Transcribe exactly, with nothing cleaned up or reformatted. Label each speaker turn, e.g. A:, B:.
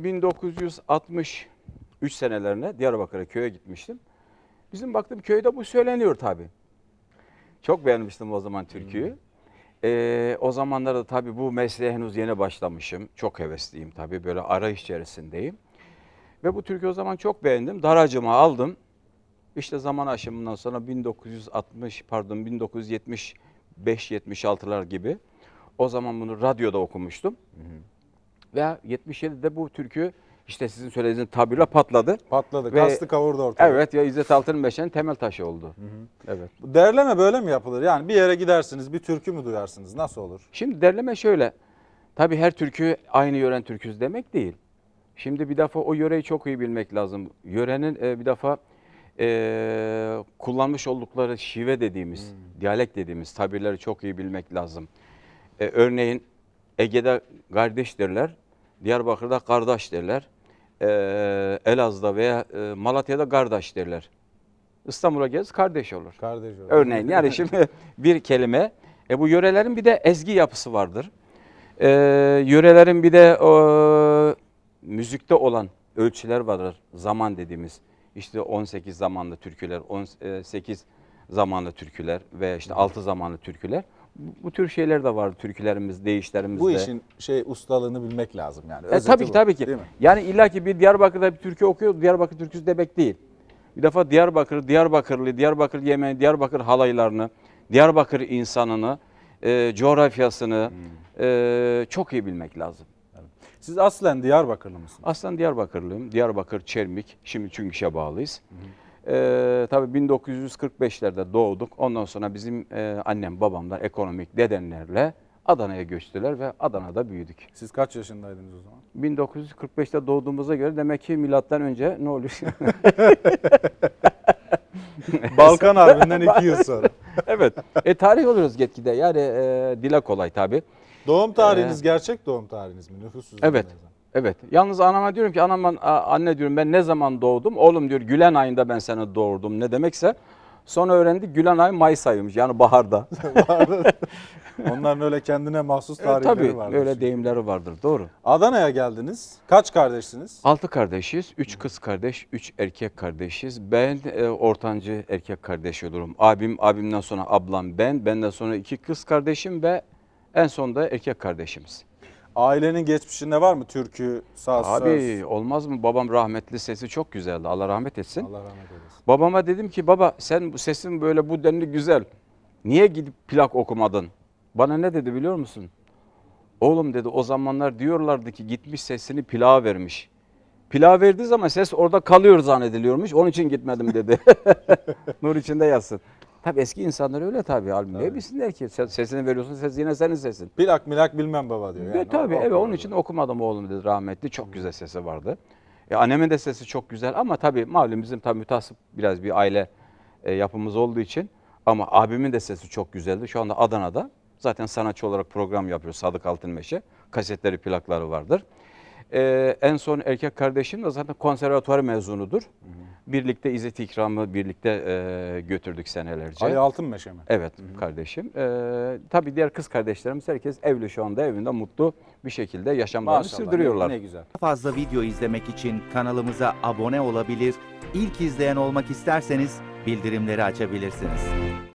A: bin dokuz yüz altmış üç senelerine Diyarbakır'a köye gitmiştim. Bizim baktım köyde bu söyleniyor tabii. Çok beğenmiştim o zaman türküyü. Hmm. Ee, o zamanlarda tabii bu mesleğe henüz yeni başlamışım. Çok hevesliyim tabii, böyle arayış içerisindeyim. Ve bu türküyü o zaman çok beğendim. Daracıma aldım. İşte zaman aşımından sonra bin dokuz yüz altmış pardon bin dokuz yüz yetmiş beş yetmiş altılar gibi o zaman bunu radyoda okumuştum. Hı hı. Ve yetmiş yedide bu türkü işte sizin söylediğiniz tabirle patladı.
B: Patladı,
A: Ve,
B: kastı kavurdu ortaya.
A: Evet, ya İzzet Altınmeşe'nin temel taşı oldu. Hı hı. Evet.
B: Derleme böyle mi yapılır? Yani bir yere gidersiniz, bir türkü mü duyarsınız? Nasıl olur?
A: Şimdi derleme şöyle. Tabii her türkü aynı yören türküsü demek değil. Şimdi bir defa o yöreyi çok iyi bilmek lazım. Yörenin e, bir defa e, kullanmış oldukları şive dediğimiz, hmm. diyalekt dediğimiz tabirleri çok iyi bilmek lazım. E, örneğin Ege'de kardeş derler, Diyarbakır'da kardeş derler, e, Elazığ'da veya e, Malatya'da kardeş derler. İstanbul'a gez kardeş olur.
B: Kardeş olur.
A: Örneğin yani şimdi bir kelime. E, bu yörelerin bir de ezgi yapısı vardır. E, yörelerin bir de o, müzikte olan ölçüler vardır. Zaman dediğimiz. İşte on sekiz zamanlı türküler, on sekiz zamanlı türküler ve işte altı zamanlı türküler. Bu tür şeyler de var türkülerimiz, deyişlerimizde.
B: Bu işin şey ustalığını bilmek lazım yani.
A: E, tabii ki
B: bu,
A: tabii ki. Yani illaki bir Diyarbakır'da bir türkü okuyor, Diyarbakır türküsü demek değil. Bir defa Diyarbakır, Diyarbakırlı, Diyarbakır yemeği, Diyarbakır halaylarını, Diyarbakır insanını, e, coğrafyasını hmm. e, çok iyi bilmek lazım.
B: Siz aslen Diyarbakırlı mısınız?
A: Aslen Diyarbakırlıyım. Diyarbakır, Çermik. Şimdi Çüngüş'e bağlıyız. Hı hı. Ee, tabii bin dokuz yüz kırk beşlerde doğduk. Ondan sonra bizim e, annem, babamlar ekonomik nedenlerle Adana'ya göçtüler ve Adana'da büyüdük.
B: Siz kaç yaşındaydınız o zaman?
A: bin dokuz yüz kırk beşte doğduğumuza göre demek ki milattan önce ne oluyor?
B: Balkan Harbi'nden iki yıl sonra.
A: Evet. E, tarih oluyoruz gitgide. Yani e, dile kolay tabii.
B: Doğum tarihiniz ee, gerçek doğum tarihiniz mi? Nüfus cüzdanı.
A: Evet. Evet. Yalnız anama diyorum ki anam, anne diyorum ben ne zaman doğdum? Oğlum diyor Gülen ayında ben seni doğurdum. Ne demekse. Sonra öğrendik Gülen ayı Mayıs ayıymış. Yani baharda.
B: Onların öyle kendine mahsus tarihleri
A: evet, tabii,
B: vardır.
A: Tabii öyle deyimleri vardır. Doğru.
B: Adana'ya geldiniz. Kaç kardeşsiniz?
A: Altı kardeşiz. Üç kız kardeş, üç erkek kardeşiz. Ben e, ortancı erkek kardeş olurum. Abim, abimden sonra ablam ben. Benden sonra iki kız kardeşim ve en sonunda erkek kardeşimiz.
B: Ailenin geçmişinde var mı türkü, saz,
A: Abi
B: söz?
A: olmaz mı? Babam rahmetli, sesi çok güzeldi. Allah rahmet etsin.
B: Allah rahmet eylesin.
A: Babama dedim ki baba sen bu sesin böyle bu denli güzel. Niye gidip plak okumadın? Bana ne dedi biliyor musun? Oğlum dedi o zamanlar diyorlardı ki gitmiş sesini plağa vermiş. Plağa verdiği zaman ses orada kalıyor zannediliyormuş. Onun için gitmedim dedi. Nur içinde yatsın. Tabii eski insanlar öyle tabii. Albüm ne bilsinler ki sesini veriyorsun, ses yine senin sesin.
B: Plak milak bilmem baba diyor. Yani.
A: E, tabii evet onun için okumadım oğlum dedi rahmetli. Çok güzel sesi vardı. E, annemin de sesi çok güzel ama tabii malum bizim tabii mütasip biraz bir aile e, yapımız olduğu için. Ama abimin de sesi çok güzeldi. Şu anda Adana'da zaten sanatçı olarak program yapıyor Sadık Altınmeşe. Kasetleri, plakları vardır. Ee, en son erkek kardeşim de zaten konservatuvar mezunudur. Hı hı. Birlikte İzzet İkram'ı birlikte e, götürdük senelerce.
B: Ali Altınmeşe mi?
A: Evet hı hı. kardeşim. Ee, tabii diğer kız kardeşlerimiz herkes evli şu anda evinde mutlu bir şekilde yaşamlarını Maşallah, sürdürüyorlar.
B: Ne, ne güzel.
C: Fazla video izlemek için kanalımıza abone olabilir, ilk izleyen olmak isterseniz bildirimleri açabilirsiniz.